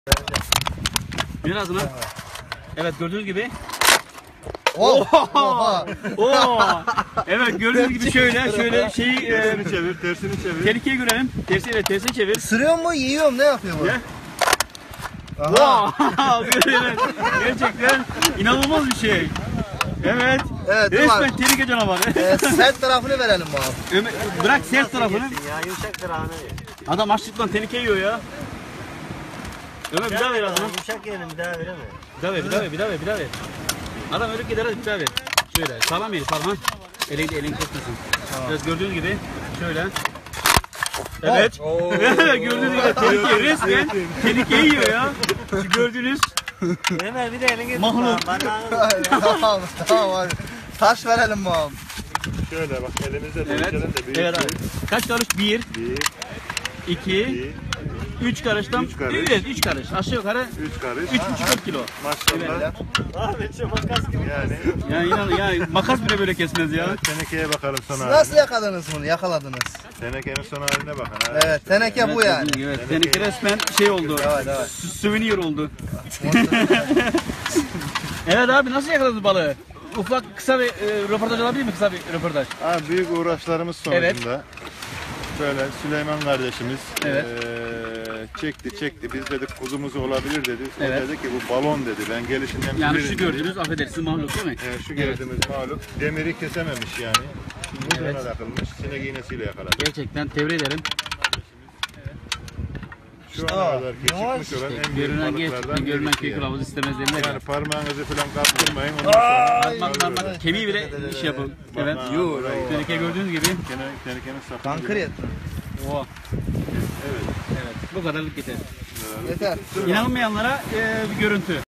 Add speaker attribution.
Speaker 1: Biraz mı? Evet, gördüğünüz gibi.
Speaker 2: Oha!
Speaker 1: Evet, gördüğünüz gibi şöyle şeyi
Speaker 3: Tersini çevir.
Speaker 1: tehlikeye görelim. Tersini çevir.
Speaker 2: Isırıyor mu, yiyor mu, ne yapıyor bu?
Speaker 1: Ne?
Speaker 2: Aha.
Speaker 1: Evet, gerçekten inanılmaz bir şey. Evet.
Speaker 2: Evet,
Speaker 1: Resmen tehlike canavarı.
Speaker 2: Sert tarafını verelim bu abi.
Speaker 1: Bırak sert tarafını.
Speaker 4: Ya yumuşak tarafını ver.
Speaker 1: Adam açlıktan tehlike yiyor ya. Ömer bir daha ver adamı.
Speaker 4: Yumuşak yerim bir daha veremem.
Speaker 1: Bir daha ver. Adam ölüp gider, hadi bir daha ver. Şöyle sağlam el parmağın. Elin korkmasın. Biraz gördüğünüz gibi şöyle. Evet. Gördüğünüz gibi tehlike resmen tehlikeyi yiyor ya. Şu gördüğünüz
Speaker 4: Ömer bir de elini
Speaker 1: Mahluk.
Speaker 2: Tamam abi. Taş verelim bu abi.
Speaker 3: Şöyle bak elimizde
Speaker 1: evet.
Speaker 3: de büyük.
Speaker 1: Evet abi. Kaç karış? 1
Speaker 3: 1,
Speaker 1: 2
Speaker 3: 2,
Speaker 1: 3 karıştan.
Speaker 3: 3 karış.
Speaker 1: Evet, 3 karış. Aşağı yukarı
Speaker 3: 3 karış.
Speaker 1: 3,5 kilo.
Speaker 3: Maşallah.
Speaker 4: Ahmet şu makas gibi.
Speaker 3: Yani
Speaker 1: Ya inan ya makas bile böyle kesmez ya.
Speaker 3: tenekeye bakalım son
Speaker 2: Siz
Speaker 3: haline.
Speaker 2: nasıl yakaladınız bunu? Yakaladınız.
Speaker 3: Tenekenin son haline bakın. Ha.
Speaker 2: Evet, teneke bu yani.
Speaker 1: Evet, teneke resmen şey oldu.
Speaker 2: Evet.
Speaker 1: Souvenir oldu. Evet abi, nasıl yakaladınız balığı? Ufak kısa bir röportaj alabilir mi? Kısa bir röportaj.
Speaker 3: Abi büyük uğraşlarımız sonucunda
Speaker 1: Evet.
Speaker 3: böyle Süleyman kardeşimiz
Speaker 1: Evet.
Speaker 3: çekti. Biz dedik kuzumuzu olabilir dedi. O
Speaker 1: Evet.
Speaker 3: dedi ki bu balon dedi. Ben gelişinden
Speaker 1: Yani
Speaker 3: bilirim
Speaker 1: şu
Speaker 3: dedi.
Speaker 1: gördüğünüz, affedersiniz, mahluk değil mi?
Speaker 3: Şu gördüğümüz malum demiri kesememiş yani. Bu
Speaker 1: Evet.
Speaker 3: döne takılmış. Sinek iğnesiyle yakaladı.
Speaker 1: Gerçekten tebrik ederim.
Speaker 3: Şu ana kadar çıkmış olan en büyük
Speaker 1: Görünen
Speaker 3: balıklardan
Speaker 1: gerçekten görünen köy
Speaker 3: birisi yani.
Speaker 1: kılavuz istemez derler ya.
Speaker 3: Yani parmağınızı falan kaptırmayın. Ondan sonra
Speaker 1: Parmak kemiği bile şey yapın. Evet. Teneke gördüğünüz gibi.
Speaker 3: tenekenin sapını
Speaker 2: Kankır yetti.
Speaker 1: Oha.
Speaker 3: Evet.
Speaker 1: Evet. Bu kadarlık yeter.
Speaker 2: Yeter.
Speaker 1: İnanılmayanlara bir görüntü.